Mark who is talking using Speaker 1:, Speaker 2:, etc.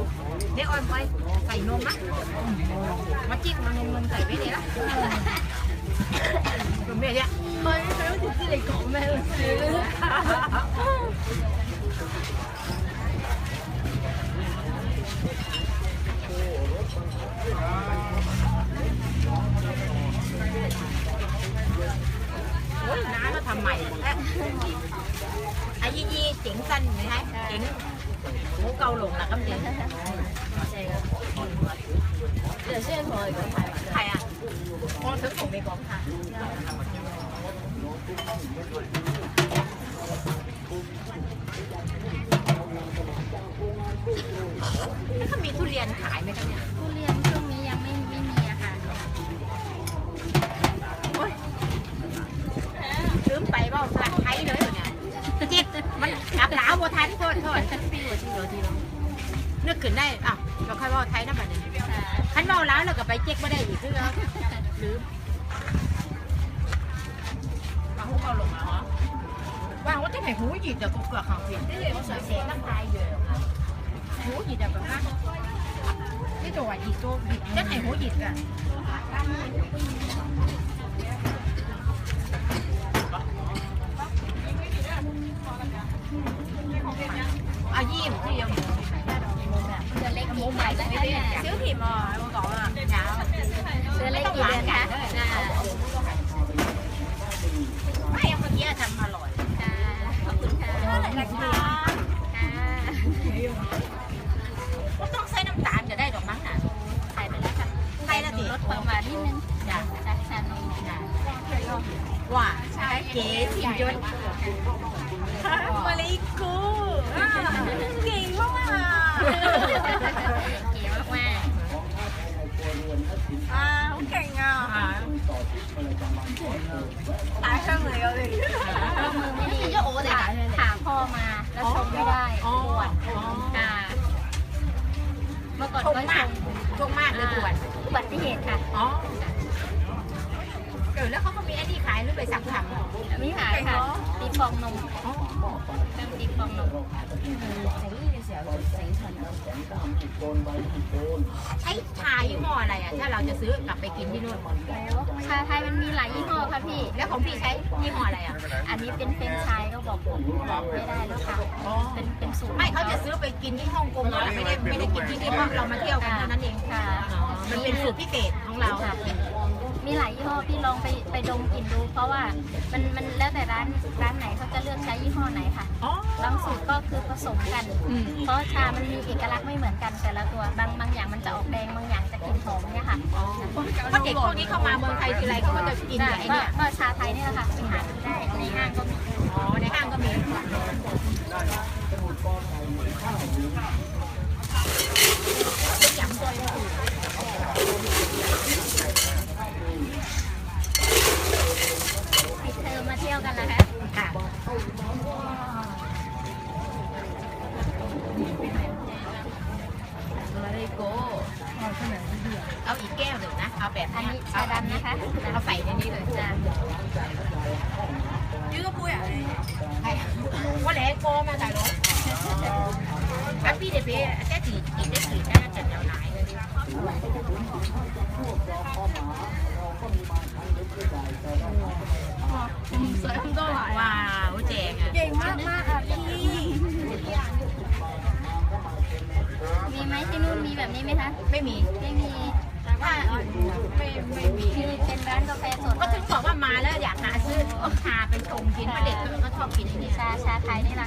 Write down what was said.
Speaker 1: เดี๋ยวออยไปใส่นมนะมาจิ้มมานมใส่ไว้เนี่ยละเป็นแบบเนี้ย
Speaker 2: 佢好似知你講咩啦，算啦。
Speaker 1: โอ้ยน้าก็ทำใหม่ไอ้ยี่เจ๋งสั้นไหมฮะเจ๋งหมูเกาหลงนะก็เจ๋ง
Speaker 2: 有些人同我哋講泰文，
Speaker 1: 係啊，我想同你講下。เขามีทุเรียนขายไหมคะเนี่ย
Speaker 3: ทุเรียนช่วงนี้ยังไม่มีอะค่ะ
Speaker 1: โอ้ยลืมไปว่าปลาไทยเลยเนี่ยจิตมันกลับหลาวบัวทันโทษพี่หัวทีนึกขึ้นได้อ่ะเราค่อยว่าไทยนะบัดนี้ขันเมาแล้วเราก็ไปเจ๊กไม่ได้อีกคือเราลืมมาหูเกาหลงเหรอว่าว่าที่ไหนหูหยิบแต่กูเกลือของเสียงที่เขาใส่เสียงตั้งใจอยู่หูหยิบแต่แบบนั้นที่ตัวหยิบตัวหยิบที่ไหนหูหยิบอ่ะอายี่มที่ยัง
Speaker 3: เดือนเล็กกี่ใหญ่แล้วคะเนี่ย
Speaker 1: ซื้อผิมอ่ะมาก่อนอ่ะเช้า
Speaker 3: เดือนเล็กกี่เดือนคะ
Speaker 1: ไม่เมื่อกี้ทำอร่อย
Speaker 3: ค่ะขอบคุณค่ะ
Speaker 1: เท่าไหร่ราคา
Speaker 3: ค่ะ
Speaker 1: ก็ต้องใส่น้ำตาลจะได้ดอกมั้งน่ะ
Speaker 3: ใส่ไปแล้วค่ะ
Speaker 1: ใส่ละสิ
Speaker 3: ลดความหวานนิดนึง
Speaker 1: จ้ะ
Speaker 3: จากชานม
Speaker 1: ว่าใช่เก๋สิยศมาเลยกูเก่งมาก
Speaker 3: เก๋มาก
Speaker 2: 好勁啊！大鄉嚟我哋。
Speaker 3: ๆเรามือไม่ดีถามพ่อมาแล้วชงไม่ได้ปวดค่ะเมื่อก่อน
Speaker 1: ชง
Speaker 3: ก็
Speaker 1: มาก
Speaker 3: ช
Speaker 1: ชงมากเลยปวด
Speaker 3: อุบัติเหตุค่ะ
Speaker 1: อ๋อแล้วเขาก็มีไอ้นี่ขายหรือไปสั่งทำ
Speaker 3: ไม่หายค่ะตีฟองนมเริ่มตีฟองนม
Speaker 1: ใช้ชายี่ห้ออะไรอ่ะถ้าเราจะซื้อกลับไปกินที่นู่น
Speaker 3: ชาไทยมันมีหลายยี่ห้อค่ะพี่
Speaker 1: แล้วของพี่ใช้ยี่ห้ออะไรอ่ะ
Speaker 3: อันนี้เป็นเฟรนช์ชายก็บอกไม่ได้แล้วค่ะ เป็นสูตร
Speaker 1: ไม่เขาจะซื้อไปกินที่ฮ่องกงแล้วไม่ได้กินที่นี่เพราะเรามาเที่ยวกันเท่านั้นเอง
Speaker 3: ค่ะ
Speaker 1: มันเป็นสูตรพิเศษของเรา
Speaker 3: ค่ะมีหลายยี่ห้อพี่ลองไปดมกลิ่นดู เพราะว่ามันแล้วแต่ร้านไหนเขาจะเลือกใช้ยี่ห้อไหนค่ะ
Speaker 1: อ๋อบ
Speaker 3: างสูตรก็คือผสมกัน เพราะชามันมีเอกลักษณ์ไม่เหมือนกันแต่ละตัว บางอย่างมันจะออกแดง บางอย่างจะกลิ่นหอมเนี่ยค่ะ
Speaker 1: เพราะเด็กพวกนี้เข้ามาเมืองไทยทีไรเขาก็จะกินไอ้เนี่ย
Speaker 3: ก็ชาไทยนี่แหละค่ะไปหาซื้อได้ในห้างก็มี
Speaker 1: อ๋อในห้างก็มียำตัว
Speaker 3: ปิดเทอมมาเที่ยวกันแล้วคะ
Speaker 1: ค่ะอะไรโก้เอาอีกแก้วหนึ่งนะเอาแบบ
Speaker 3: อัน
Speaker 1: นี้
Speaker 3: นี้ชาดำนะคะ
Speaker 1: เอาใส่ในนี้เลย
Speaker 3: จ้ะ
Speaker 2: 呢個杯啊你？
Speaker 1: 係我嚟過嘛大佬咁邊哋俾爹哋見得住咧一陣有奶嗰啲
Speaker 2: 唔使咁多奶。
Speaker 1: 哇好正啊
Speaker 2: 勁มากมาก啊พี่！
Speaker 3: มีไหมที่นู่นมีแบบนี้ไหมคะ
Speaker 1: ไม่มี
Speaker 3: ไม่มี
Speaker 1: ว่าไม่มี
Speaker 3: มีเป็นร้านกาแฟสด
Speaker 1: ก็ถึงบอกว่ามาแล้วอยากหาซื้อชาเป็นชงกินเพราะเด็กก็ชอบกินไอ้นี่
Speaker 3: ชาไทยนี่แหละ